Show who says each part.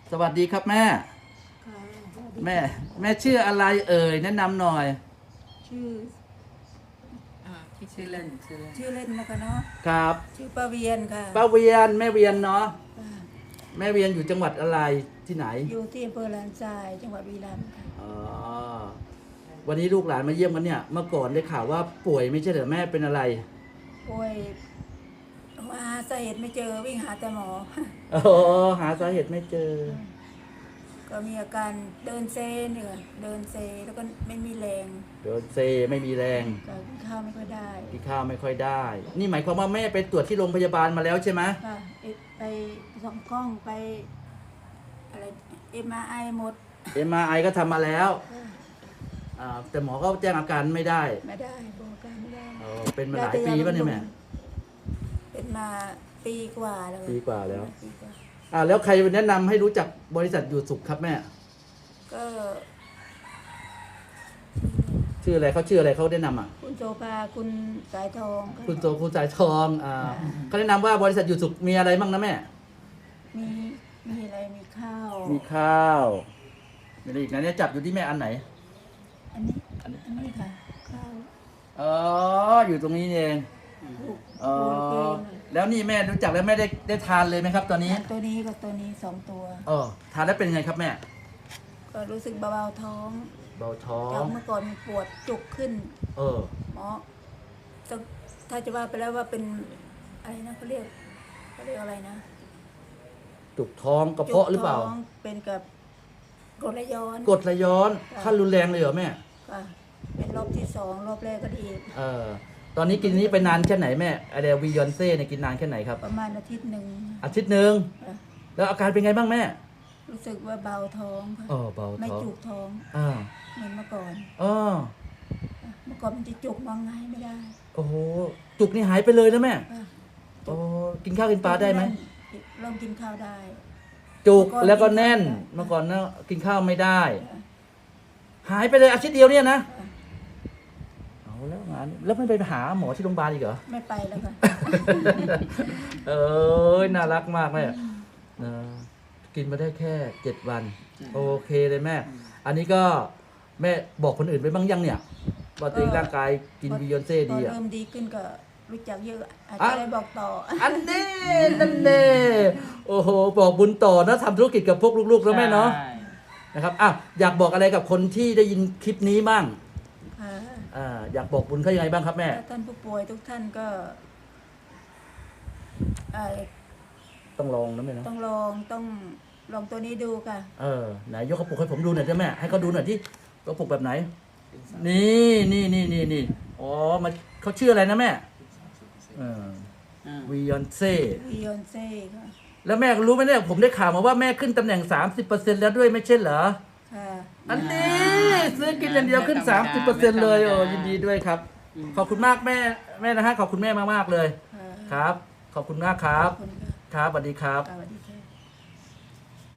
Speaker 1: สวัสดีครับแม่
Speaker 2: ค่ะสวัสดี
Speaker 1: แม่แม่ชื่ออะไรเอ่ยแนะนำหน่อย
Speaker 2: ชื่อ
Speaker 3: ที่ชื่อเล่น
Speaker 2: ชื่อเล่นนะคะเนาะ
Speaker 1: ครับ
Speaker 2: ชื่อป้าเวียนค่ะ
Speaker 1: ป้าเวียนแม่เวียนเนาะ
Speaker 2: ค่ะ
Speaker 1: แม่เวียนอยู่จังหวัดอะไรที่ไหน
Speaker 2: อยู่ที่อำเภอลานทรายจังหวัดบุรีรัมย์ค่ะ
Speaker 1: อ๋อวันนี้ลูกหลานมาเยี่ยมกันเนี่ยเมื่อก่อนได้ข่าวว่าป่วยไม่ใช่เหรอแม่เป็นอะไร
Speaker 2: ป่วยหาสาเหตุไม่เจอวิ่งหาแต่หมอ
Speaker 1: อ๋อหาสาเหตุไม่เจอ
Speaker 2: ก็มีอาการเดินเซเหนื่อยเดินเซแล้วก็ไม่มีแรง
Speaker 1: เดินเซไม่มีแรง
Speaker 2: ก็กินข้าวไม่ค่อยได้
Speaker 1: กินข้าวไม่ค่อยได้ นี่หมายความว่าแม่ไปตรวจที่โรงพยาบาลมาแล้วใช่ไหม
Speaker 2: ค่ะไปส่องกล้องไปอะไรMRI หมด
Speaker 1: MRI ก็ทำมาแล้ว
Speaker 2: ค่ะ
Speaker 1: แต่หมอก็แจ้งอาการไม่ได้
Speaker 2: ไม่ได้บอกอาการไม่ได้
Speaker 1: เป็นมาหลายปีป่ะเนี่ยแม่
Speaker 2: เป็นมาปีกว่าแล้ว
Speaker 1: ปีกว่าแล้ว
Speaker 2: ปีกว่า
Speaker 1: แล้วใครแนะนำให้รู้จักบริษัทอยู่สุขครับแม่
Speaker 2: ก็
Speaker 1: ชื่ออะไรเขาชื่ออะไรเขาแนะนำอ่ะ
Speaker 2: คุณโสภาคุณสายทองก็
Speaker 1: คุณโจคุณสายทองเขาแนะนำว่าบริษัทอยู่สุขมีอะไรบ้างนะแม่
Speaker 2: มีมีอะไรมีข้าว
Speaker 1: มีข้าวมีอะไรอีกนะเนี่ยจับอยู่ที่แม่อันไหน
Speaker 2: อันนี้อันนี้ค่ะข้าว
Speaker 1: อ๋ออยู่ตรงนี้นี่เอง
Speaker 2: ลูก
Speaker 1: อ๋อ
Speaker 2: ลูก
Speaker 1: แล้วนี่แม่รู้จักแล้วแม่ได้ทานเลยไหมครับ ตอนนี้
Speaker 2: ตัวนี้กับตัวนี้2 ตัว
Speaker 1: ทานแล้วเป็นไงครับแม่
Speaker 2: ก็รู้สึกเบาๆท้อง
Speaker 1: เบาท้อ
Speaker 2: จาก
Speaker 1: ง
Speaker 2: เมื่อก่อนมีปวดจุกขึ้น
Speaker 1: เออ
Speaker 2: หมอถ้าจะว่าไปแล้วว่าเป็นอะไรนะเขาเรียกอะไรนะ
Speaker 1: จุกท้องกระเพาะหรือเปล่า
Speaker 2: จุกท้องเป็นกับกรดไหลย้อน
Speaker 1: กรดไหลย้อนขั้นรุนแรงเลยเหรอแม่
Speaker 2: ค่ะเป็นรอบที่2รอบแรกก็ดี
Speaker 1: ตอนนี้กินนี้ไปนานแค่ไหนแม่ไอเดียวียอนเซ่เนี่ยกินนานแค่ไหนครับ
Speaker 2: ประมาณอาทิตย์หนึ่ง
Speaker 1: อาทิตย์หนึ่ง
Speaker 2: ค่ะ
Speaker 1: แล้วอาการเป็นไงบ้างแม่
Speaker 2: รู้สึกว่าเบาท้องค่ะ
Speaker 1: เบา
Speaker 2: ไม่
Speaker 1: ท้อง
Speaker 2: จุกท้อง
Speaker 1: อ่า
Speaker 2: เหมือนเมื่อก่อน
Speaker 1: อ๋อ
Speaker 2: เมื่อก่อนมันจะจุกมองไงไม่ได้
Speaker 1: โอ้โหจุกนี่หายไปเลยนะแม่
Speaker 2: ค่ะ
Speaker 1: โอ้กินข้าวกินปลาได้ไหม
Speaker 2: เริ่มกินข้าวได้
Speaker 1: จุก
Speaker 2: เมื่อก่อน
Speaker 1: แล้วก็แน่น
Speaker 2: กินข้าว
Speaker 1: เมื่อก่อนนะกินข้าวไม่ได้
Speaker 2: ค่ะ
Speaker 1: หายไปเลยอาทิตย์เดียวเนี่ยนะ
Speaker 2: ค่ะ
Speaker 1: เอาแล้วงานแล้วไม่ไปหาหมอที่โรงพยาบาลอีกเหรอ
Speaker 2: ไม่ไปแล้วค่ะ
Speaker 1: เอ้ยน่ารักมากแม่กินมาได้แค่7 วัน โอเคเลยแม่ อันนี้ก็แม่บอกคนอื่นไปบ้างยังเนี่ยว่าตัวเองร่างกายกินวียอนเซ่
Speaker 2: พ
Speaker 1: ดี
Speaker 2: อ
Speaker 1: อ่ะ
Speaker 2: เริ่มดีขึ้นก็รู้จักเยอะอาจ
Speaker 1: อ่ะ
Speaker 2: จะได้บอกต่อ
Speaker 1: อันนี้นั่นเน่โอ้โหบอกบุญต่อนะทำธุรกิจกับพวกลูกๆแล้วแม่เนาะนะครับอยากบอกอะไรกับคนที่ได้ยินคลิปนี้บ้าง
Speaker 2: ค่ะ
Speaker 1: อยากบอกบุญเขายังไงบ้างครับแม่
Speaker 2: ถ้าท่านผู้ป่วยทุกท่านก็เอ่อ
Speaker 1: ต้องลองนะแม่เนาะ
Speaker 2: ต้องลองตัวนี้ดูค่ะ
Speaker 1: ไหนยกกระปุกให้ผมดูหน่อยได้ไหมให้เขาดูหน่อยที่กระปุกแบบไหน นี่อ๋อมันเขาชื่ออะไรนะแม่วียอนเซ่
Speaker 2: วิยอนเซ่ค่ะ
Speaker 1: แล้วแม่รู้ไหมเนี่ยผมได้ข่าวมาว่าแม่ขึ้นตำแหน่ง 30%แล้วด้วยไม่ใช่เหรอ
Speaker 2: ค่ะ
Speaker 1: อันนี้ซื้อกินอย่างเดียวขึ้น 30%เลยยินดีด้วยครับ ขอบคุณมากแม่นะฮะขอบคุณแม่มากๆเลย
Speaker 2: ค่ะ
Speaker 1: ครับ ขอบคุณมากครับ
Speaker 2: ขอบคุณค่ะ
Speaker 1: ครับสวัสดีครับ
Speaker 2: สวัสดีค่ะ